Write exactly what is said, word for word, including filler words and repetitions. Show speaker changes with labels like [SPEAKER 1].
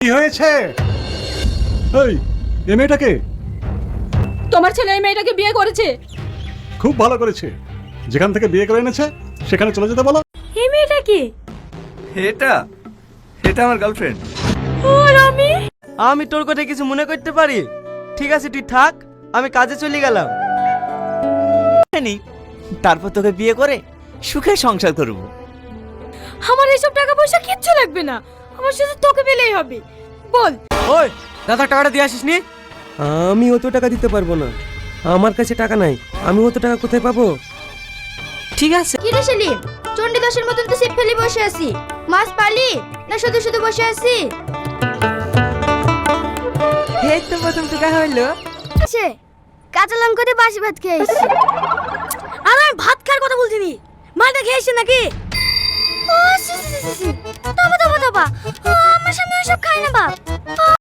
[SPEAKER 1] কি হয়েছে? এই এই মেয়েটাকে?
[SPEAKER 2] তোমার ছেলে এই মেয়েটাকে বিয়ে করেছে।
[SPEAKER 1] খুব ভালো করেছে, যেখান থেকে বিয়ে করে এনেছে সেখানে চলে যেতে বলো।
[SPEAKER 2] এই মেয়েটা কি?
[SPEAKER 3] এটা এটা আমার গার্লফ্রেন্ড।
[SPEAKER 2] আর আমি
[SPEAKER 4] আমি তোর কথা কিছু মনে করতে পারি? ঠিক আছে তুই থাক, আমি কাজে চলে গেলাম।
[SPEAKER 5] তারপর তোকে বিয়ে করে সুখে সংসার করব।
[SPEAKER 2] আমার এইসব টাকা পয়সা কিচ্ছু লাগবে না, আমার শুধু তোকে পেলেই হবে। বল।
[SPEAKER 4] ওই দাদা টাকাটা দিয়ে আসিস নি? আমি অত টাকা দিতে পারবো না, আমার কাছে টাকা নাই। আমি অত টাকা কোথায় পাবো?
[SPEAKER 5] ঠিক আছে।
[SPEAKER 6] কি রে সেলিম, চণ্ডীদাসের মতন তো সিপ ফেলে বসে আছি। মাছ পালি না শুধু শুধু বসে আছি?
[SPEAKER 4] এই তো প্রথম টাকা হইলো।
[SPEAKER 6] সে কাঁচা লঙ্কা দিয়ে বাসি ভাত খেয়েছি।
[SPEAKER 2] আর আমি ভাত খাওয়ার কথা বলছিনি, মালটা খেয়েছে নাকি?
[SPEAKER 6] ও সি সি সি সি তবা তবা তবা, আমার সামনে ওসব খাই না বাপ।